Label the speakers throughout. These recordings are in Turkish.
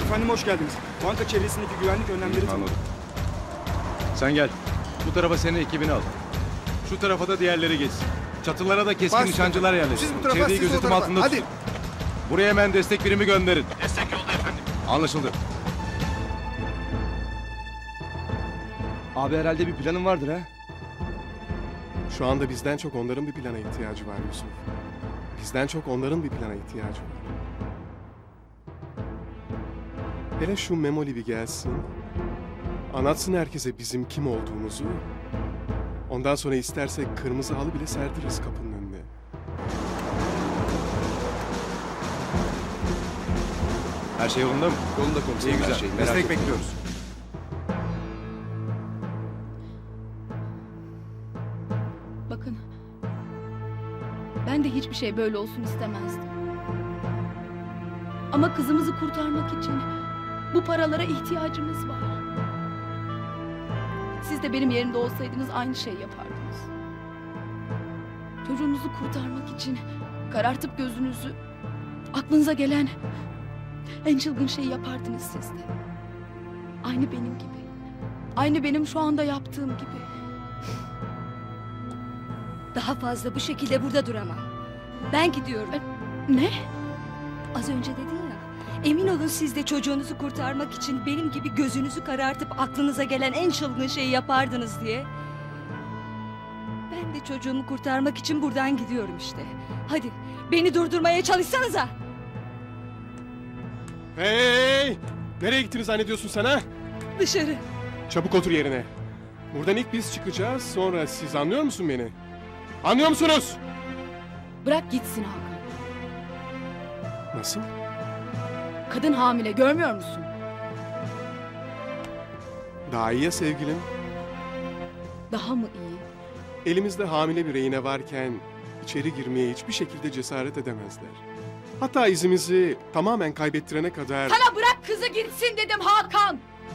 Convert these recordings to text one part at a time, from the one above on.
Speaker 1: Efendim hoş geldiniz. Banka çevresindeki güvenlik önlemleri tamam.
Speaker 2: Anladım. Sen gel. Bu tarafa senin ekibini al. Şu tarafa da diğerleri geçsin. Çatılara da keskin nişancılar yerleşsin.
Speaker 1: Siz bu tarafa,
Speaker 2: Çevreyi
Speaker 1: siz o
Speaker 2: gözetim
Speaker 1: tarafa.
Speaker 2: altında
Speaker 1: Hadi.
Speaker 2: tutun. Buraya hemen destek birimi gönderin. Destek yolda efendim. Anlaşıldı.
Speaker 1: Abi herhalde bir planın vardır ha?
Speaker 3: Şu anda bizden çok onların bir plana ihtiyacı var Yusuf. Bizden çok onların bir plana ihtiyacı var. Hele şu Memoli bir gelsin. Anlatsın herkese bizim kim olduğumuzu. Ondan sonra istersek kırmızı halı bile serdiririz kapının önüne.
Speaker 2: Her şey yolunda mı?
Speaker 1: Yolunda komiserim.
Speaker 2: İyi güzel.
Speaker 1: Her şey, merak
Speaker 2: Destek
Speaker 1: etme.
Speaker 2: bekliyoruz.
Speaker 4: Bakın. Ben de hiçbir şey böyle olsun istemezdim. Ama kızımızı kurtarmak için bu paralara ihtiyacımız var. Siz de benim yerimde olsaydınız aynı şey yapardınız. Çocuğunuzu kurtarmak için karartıp gözünüzü, aklınıza gelen en çılgın şeyi yapardınız siz de. Aynı benim gibi. Aynı benim şu anda yaptığım gibi.
Speaker 5: Daha fazla bu şekilde burada duramam. Ben gidiyorum.
Speaker 4: Ne?
Speaker 5: Az önce dedin ya. Emin olun siz de çocuğunuzu kurtarmak için benim gibi gözünüzü karartıp aklınıza gelen en çılgın şeyi yapardınız diye. Ben de çocuğumu kurtarmak için buradan gidiyorum işte. Hadi beni durdurmaya çalışsanıza.
Speaker 3: Hey! Nereye gittiniz zannediyorsun sen ha?
Speaker 5: Dışarı.
Speaker 3: Çabuk otur yerine. Buradan ilk biz çıkacağız, sonra siz, anlıyor musun beni? Anlıyor musunuz?
Speaker 4: Bırak gitsin Hakan.
Speaker 3: Nasıl?
Speaker 4: Kadın hamile, görmüyor musun?
Speaker 3: Daha iyi ya sevgilim.
Speaker 4: Daha mı iyi?
Speaker 3: Elimizde hamile bir rehine varken içeri girmeye hiçbir şekilde cesaret edemezler. Hatta izimizi tamamen kaybettirene kadar...
Speaker 4: Sana bırak kızı gitsin dedim Hakan!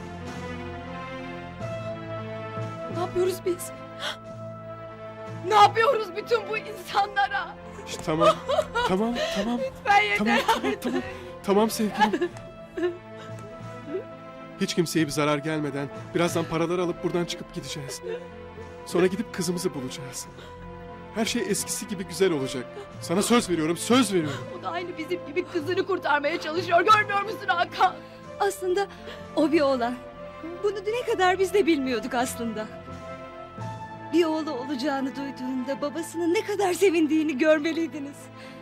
Speaker 4: Ne yapıyoruz biz? Ne yapıyoruz bütün bu insanlara?
Speaker 3: İşte tamam, tamam.
Speaker 4: Lütfen yeter artık.
Speaker 3: Tamam sevgilim. Hiç kimseye bir zarar gelmeden birazdan paraları alıp buradan çıkıp gideceğiz. Sonra gidip kızımızı bulacağız. Her şey eskisi gibi güzel olacak. Sana söz veriyorum, söz veriyorum.
Speaker 4: O da aynı bizim gibi kızını kurtarmaya çalışıyor. Görmüyor musun Hakan?
Speaker 5: Aslında o bir oğlan. Bunu düne kadar biz de bilmiyorduk aslında. Bir oğlu olacağını duyduğunda babasının ne kadar sevindiğini görmeliydiniz.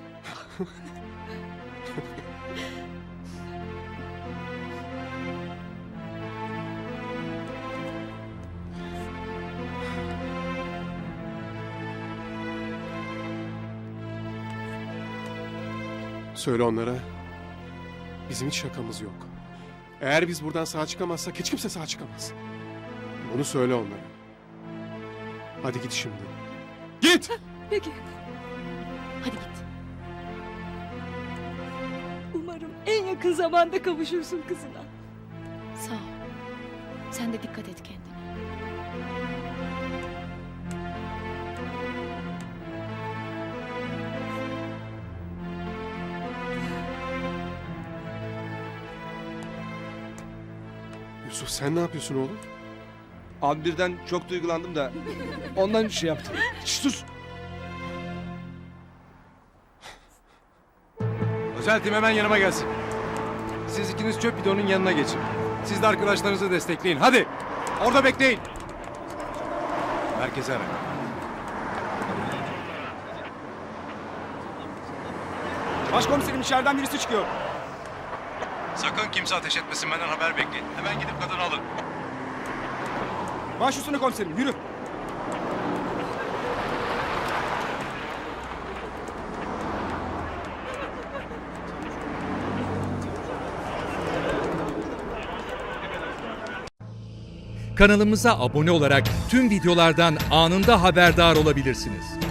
Speaker 3: Söyle onlara. Bizim hiç şakamız yok. Eğer biz buradan sağ çıkamazsak hiç kimse sağ çıkamaz. Bunu söyle onlara. Hadi git şimdi. Git!
Speaker 5: Peki.
Speaker 4: Hadi git.
Speaker 5: Umarım en yakın zamanda kavuşursun kızına.
Speaker 4: Sağ ol. Sen de dikkat et kendine.
Speaker 3: Yusuf sen ne yapıyorsun oğlum?
Speaker 1: Abi birden çok duygulandım da ondan şey yaptım. Şş, sus.
Speaker 2: Özel tim hemen yanıma gelsin. Siz ikiniz çöp bidonun yanına geçin. Siz de arkadaşlarınızı destekleyin. Hadi. Orada bekleyin. Merkeze ara.
Speaker 1: Başkomiserim içeriden birisi çıkıyor.
Speaker 2: Sakın kimse ateş etmesin, benden haber bekleyin. Hemen gidip kadını alın.
Speaker 1: Baş üstüne komiserim yürü.
Speaker 6: Kanalımıza abone olarak tüm videolardan anında haberdar olabilirsiniz.